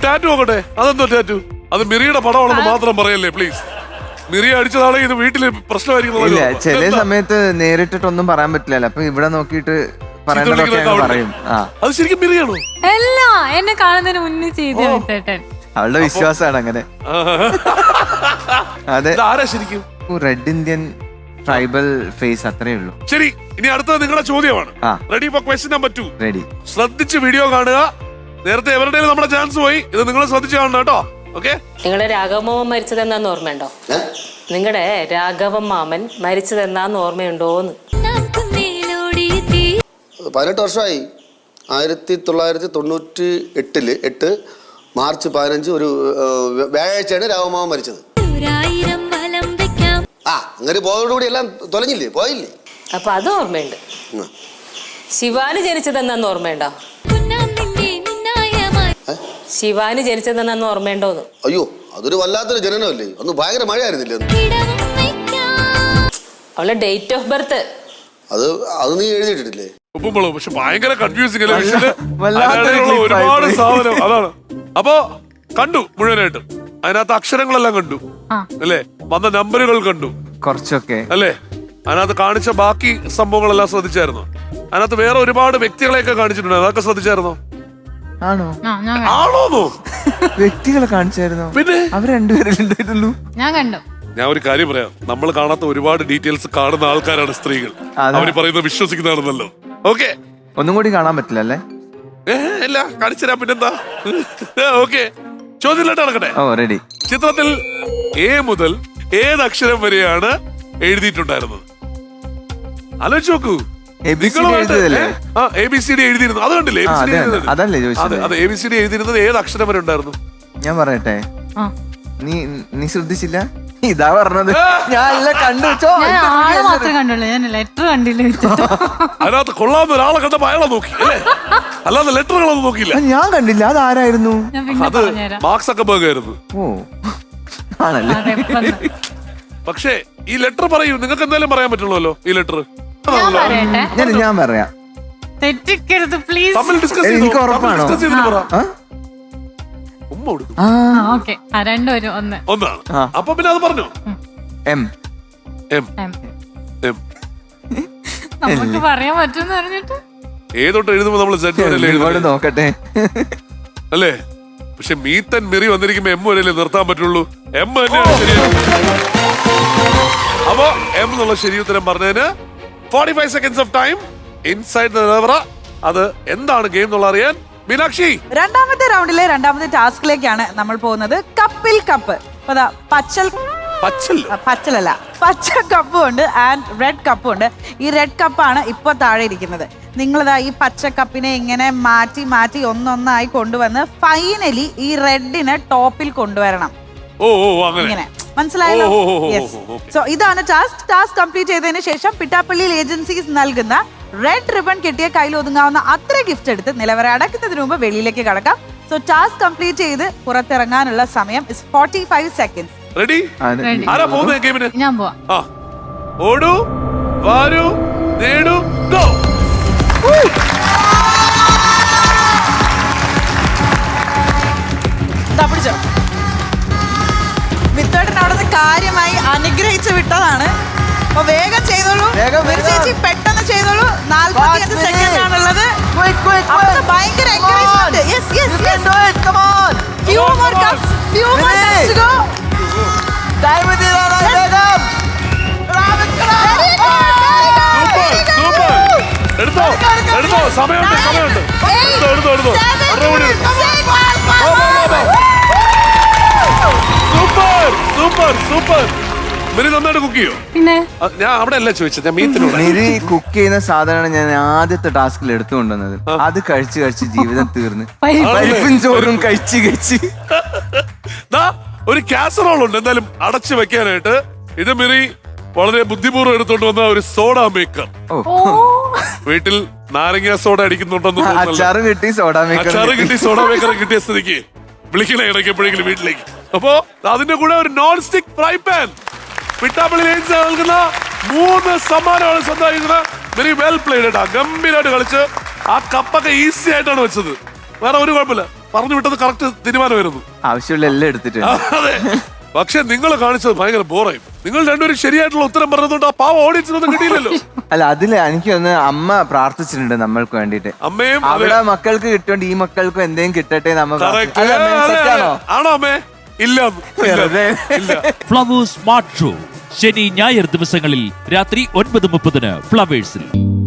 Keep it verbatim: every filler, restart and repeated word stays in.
Tattoo നോക്കട്ടെ. അതെന്തോ tattoo? അത് മിറിയുടെ പടമാണെന്ന് മാത്രം പറയല്ലേ പ്ലീസ്. മിറി അടിച്ചതാണെങ്കിൽ ഇത് വീട്ടില് പ്രശ്നമായിരിക്കും. ചില സമയത്ത് നേരിട്ടിട്ടൊന്നും പറയാൻ പറ്റില്ലല്ലോ. അപ്പൊ ഇവിടെ നോക്കിയിട്ട് പറയും. അത് ശരിക്കും മിറിയാണോ? അല്ല, എന്നെ കാണുന്നതിന് മുന്നേ ചെയ്തു വിട്ടേട്ടൻ. അവളുടെ വിശ്വാസമാണ് അങ്ങനെ. അതെ, ആരാ ശരിക്കും റെഡ് ഇന്ത്യൻ ട്രൈബൽ ഫേസ്, അത്രേ ഉള്ളൂ. ശരി, ഇനി അടുത്തത് നിങ്ങളുടെ ചോദ്യമാണ്. Ready for question number two. Ready. ശ്രദ്ധിച്ച് വീഡിയോ കാണുക. നേരത്തെ എവരുടെയും നമ്മുടെ ചാൻസ് പോയി, ഇത് നിങ്ങൾ ശ്രദ്ധിച്ച് കാണണം കേട്ടോ. ഓക്കെ. നിങ്ങളുടെ രാഘവമാമൻ മരിച്ചതെന്നാന്ന് ഓർമ്മയുണ്ടോ? നിങ്ങളുടെ രാഘവൻ മാമൻ മരിച്ചതെന്നാന്ന് ഓർമ്മയുണ്ടോന്ന്? പതിനെട്ട് വർഷമായി. ആയിരത്തി തൊള്ളായിരത്തി തൊണ്ണൂറ്റി എട്ടില് എട്ട് മാർച്ച് പതിനഞ്ച് ഒരു വ്യാഴാഴ്ചയാണ് രാഘവമാമൻ മരിച്ചത്. ആ അങ്ങനെ പോയതോടുകൂടി എല്ലാം തൊലഞ്ഞില്ലേ, പോയില്ലേ? അപ്പൊ അത് ഓർമ്മയുണ്ട്. ശിവാന് ജനിച്ചതെന്നാന്ന് ഓർമ്മയുണ്ടോ? ശിവാന് ജനിച്ചതെന്നാന്ന് ഓർമ്മയുണ്ടോന്ന്? അയ്യോ, അതൊരു വല്ലാത്തൊരു ജനനമല്ലേ. അന്ന് ഭയങ്കര മഴയായിരുന്നില്ലേ? അവളുടെ ഡേറ്റ് ഓഫ് ബർത്ത് അത് അത് നീ എഴുതിയിട്ടില്ലേ? പക്ഷെ ഭയങ്കര കൺഫ്യൂസിംഗ് ഒരുപാട് സാധനം. അതാണ്. അപ്പൊ കണ്ടു മുഴുവനായിട്ട്. അതിനകത്ത് അക്ഷരങ്ങളെല്ലാം കണ്ടു അല്ലേ? വന്ന നമ്പറുകൾ കണ്ടു കുറച്ചൊക്കെ അല്ലേ? അതിനകത്ത് കാണിച്ച ബാക്കി സംഭവങ്ങളെല്ലാം ശ്രദ്ധിച്ചായിരുന്നോ? അതിനകത്ത് വേറെ ഒരുപാട് വ്യക്തികളെയൊക്കെ കാണിച്ചിട്ടുണ്ട്. അതൊക്കെ ശ്രദ്ധിച്ചായിരുന്നോ? ആണോ? ആണോന്നോ? വ്യക്തികളെ കാണിച്ചായിരുന്നോ? പിന്നെ അവർ രണ്ടുപേരുണ്ടായിട്ടുള്ളൂ. ഞാൻ കണ്ടു. ഞാൻ ഒരു കാര്യം പറയാം. നമ്മൾ കാണാത്ത ഒരുപാട് ഡീറ്റെയിൽസ് കാണുന്ന ആൾക്കാരാണ് സ്ത്രീകൾ. അവര് പറയുന്നത് വിശ്വസിക്കുന്നതാണെന്നല്ലോ. ഓക്കെ, ഒന്നും കൂടി കാണാൻ പറ്റില്ല അല്ലേ? ഇല്ല, കാണിച്ചു തരാം. പിന്നെന്താ? ഓക്കെ, ചോദ്യത്തിലോട്ട് നടക്കട്ടെ. ഓ റെഡി. ചിത്രത്തിൽ എ മുതൽ ഏത് അക്ഷരം വരെയാണ് എഴുതിയിട്ടുണ്ടായിരുന്നത്? ആലോചിച്ച് നോക്കൂ. എ ബി സി ഡി എഴുതിയിരുന്നു. അത് കണ്ടില്ലേ? അതല്ലേ ചോദിച്ചത്? അതെ, എ ബി സി ഡി എഴുതിയിരുന്നത് ഏത് അക്ഷരം വരെ ഉണ്ടായിരുന്നു? ഞാൻ പറയട്ടെ, നീ നീ ശ്രദ്ധിച്ചില്ല? ഇതാ പറഞ്ഞത്. ഞാൻ കണ്ടു. മാത്രമേ കണ്ടുള്ളൂ, ഞാൻ ലെറ്റർ കണ്ടില്ല. അതിനകത്ത് കൊള്ളാവുന്ന ഒരാളെ കണ്ടപ്പോ അയാളെ നോക്കി അല്ലേ? അല്ലാതെ ലെറ്ററുകളൊന്നും നോക്കിയില്ല. ഞാൻ കണ്ടില്ല. അതാരായിരുന്നു? അത് മാർക്ക് സക്കർബർഗ് ആയിരുന്നു. ഓ ആണല്ലേ? പക്ഷേ ഈ ലെറ്റർ പറയൂ, നിങ്ങൾക്ക് എന്തായാലും പറയാൻ പറ്റുള്ളൂ ഈ ലെറ്റർ. ഞാൻ ഞാൻ പറയാം. തെറ്റിക്കരുത് പ്ലീസ്. എനിക്ക് ഉറപ്പാണോ? ഒന്നാണ്. അപ്പൊ പിന്നെ അത് പറഞ്ഞു. എം എം എം നമുക്ക് പറയാൻ പറ്റുമെന്ന് പറഞ്ഞിട്ട് ഏതോട്ട് എഴുതുമ്പോ നമ്മള് നോക്കട്ടെ അല്ലേ? പക്ഷെ മീത്തൻ മിറി വന്നിരിക്കുമ്പോ എം വരെയല്ലേ നിർത്താൻ പറ്റുള്ളൂ. എം തന്നെയാണ് ശരിയാണ്. അപ്പോ എം എന്നുള്ള ശരി ഉത്തരം പറഞ്ഞതിന് forty five seconds of time inside the നിലവറ. അത് എന്താണ് ഗെയിം എന്നുള്ള അറിയാൻ മീനാക്ഷി. രണ്ടാമത്തെ റൗണ്ടിലെ രണ്ടാമത്തെ ടാസ്കിലേക്കാണ് നമ്മൾ പോകുന്നത്. കപ്പിൽ കപ്പ്. പച്ചൽ പച്ചലല്ല പച്ച കപ്പും ഉണ്ട് ആൻഡ് റെഡ് കപ്പും ഉണ്ട്. ഈ റെഡ് കപ്പാണ് ഇപ്പൊ താഴെ ഇരിക്കുന്നത്. നിങ്ങളിതാ ഈ പച്ച കപ്പിനെ ഇങ്ങനെ മാറ്റി മാറ്റി ഒന്നൊന്നായി കൊണ്ടുവന്ന് ഫൈനലി ഈ റെഡിനെ ടോപ്പിൽ കൊണ്ടുവരണം. ഇങ്ങനെ മനസ്സിലായല്ലോ? യെസ്. സോ ഇതാണ് ടാസ്ക്. ടാസ്ക് കംപ്ലീറ്റ് ചെയ്തതിന് ശേഷം പിട്ടാപ്പള്ളിയിൽ ഏജൻസീസ് നൽകുന്ന റെഡ് റിബൺ കിട്ടിയ കയ്യിൽ ഒതുങ്ങാവുന്ന അത്ര ഗിഫ്റ്റ് എടുത്ത് നിലവറ അടക്കുന്നതിന് മുമ്പ് വെളിയിലേക്ക് കടക്കാം. സോ ടാസ്ക് കംപ്ലീറ്റ് ചെയ്ത് പുറത്തിറങ്ങാനുള്ള സമയം is forty five seconds. Ready? ആരാ പോകുന്നത് ഗെയിമിന്? ഞാൻ പോവാം. ആ, ഓടൂ, വാരൂ, നേടൂ, ഗോ. വിത്തോട്ടൻ അവിടുത്തെ കാര്യമായി അനുഗ്രഹിച്ചു വിട്ടതാണ്. അപ്പൊ വേഗം ചെയ്തോളൂ ചേച്ചി, പെട്ടെന്ന് ചെയ്തോളൂ. നാല്പത്തി അഞ്ച് സെക്കൻഡ് ആണുള്ളത്. ഭയങ്കര എടുത്തോ എടുത്തോ, സമയമുണ്ട് സമയമുണ്ട്. എടുത്തോ എടുത്തോ എടുത്തോ. Super super super. മിരി നന്നായിട്ട് കുക്ക് ചെയ്യോ? പിന്നെ ഞാൻ അവിടെ അല്ല ചോദിച്ചത്, ഞാൻ മീത്തിനോട്. മിരി കുക്ക് ചെയ്യുന്ന സാധനമാണ് ഞാൻ ആദ്യത്തെ ടാസ്കിൽ എടുത്തുകൊണ്ടുവന്നത്. അത് കഴിച്ച് കഴിച്ച് ജീവിതം തീർന്ന് പരിപ്പും ചോറും കഴിച്ച് കഴിച്ച്. ഒരു കാസറോൾ ഉണ്ട് എന്തായാലും അടച്ചു വെക്കാനായിട്ട്. ഇത് മിരി വളരെ ബുദ്ധിപൂർവ്വം എടുത്തോണ്ട് വന്ന ഒരു സോഡ മേക്കർ. വീട്ടിൽ നാരങ്ങ സോഡ അടിക്കുന്നുണ്ടെന്ന് അച്ചാറ് കിട്ടി സോഡ മേക്കർ അച്ചാറ് കിട്ടി സോഡ മേക്കർ കിട്ടിയ സ്ഥിതിക്ക് വിളിക്കണേ ഇടയ്ക്ക് എപ്പോഴെങ്കിലും വീട്ടിലേക്ക്. അപ്പോ അതിന്റെ കൂടെ ഒരു non stick fry pan. Pittappally ലേൻസ് നൽകുന്ന മൂന്ന് സമ്മാനമാണ് സ്വന്തമായിരിക്കുന്നത്. Very well played. ഗംഭീരമായിട്ട് കളിച്ച് ആ കപ്പൊക്കെ ഈസി ആയിട്ടാണ് വെച്ചത്. വേറെ ഒരു കുഴപ്പമില്ല. പറഞ്ഞു വിട്ടത് കറക്റ്റ് തീരുമാനമായിരുന്നു. ആവശ്യമുള്ള എല്ലാം എടുത്തിട്ടുണ്ട്. അതെ, പക്ഷെ നിങ്ങൾ കാണിച്ചത് ഭയങ്കര ബോറായി. നിങ്ങൾ രണ്ടുപേരും ശരിയായിട്ടുള്ള ഉത്തരം പറഞ്ഞതുകൊണ്ട് ആ പാവ ഓഡിയൻസിനൊന്നും കിട്ടിയില്ലല്ലോ. അല്ല, അതില് എനിക്ക് ഒന്ന് അമ്മ പ്രാർത്ഥിച്ചിട്ടുണ്ട് നമ്മൾക്ക് വേണ്ടിട്ട്. അമ്മയും അതെ. അവിടെ മക്കൾക്ക് കിട്ടുകൊണ്ട് ഈ മക്കൾക്കും എന്തെങ്കിലും കിട്ടട്ടെ നമ്മ Correct. പ്രാർത്ഥി- അല്ല, അമ്മേ, അതെ, അതെ. സെറ്റാണോ? ആണോ അമ്മേ? ഇല്ല ഇല്ല, വെറുതെ. ഇല്ല. ഫ്ലവേഴ്സ് സ്മാർട്ട് ഷോ ശനി ഞായർ ദിവസങ്ങളിൽ രാത്രി ഒൻപത് മുപ്പതിന് ഫ്ലവേഴ്സിൽ.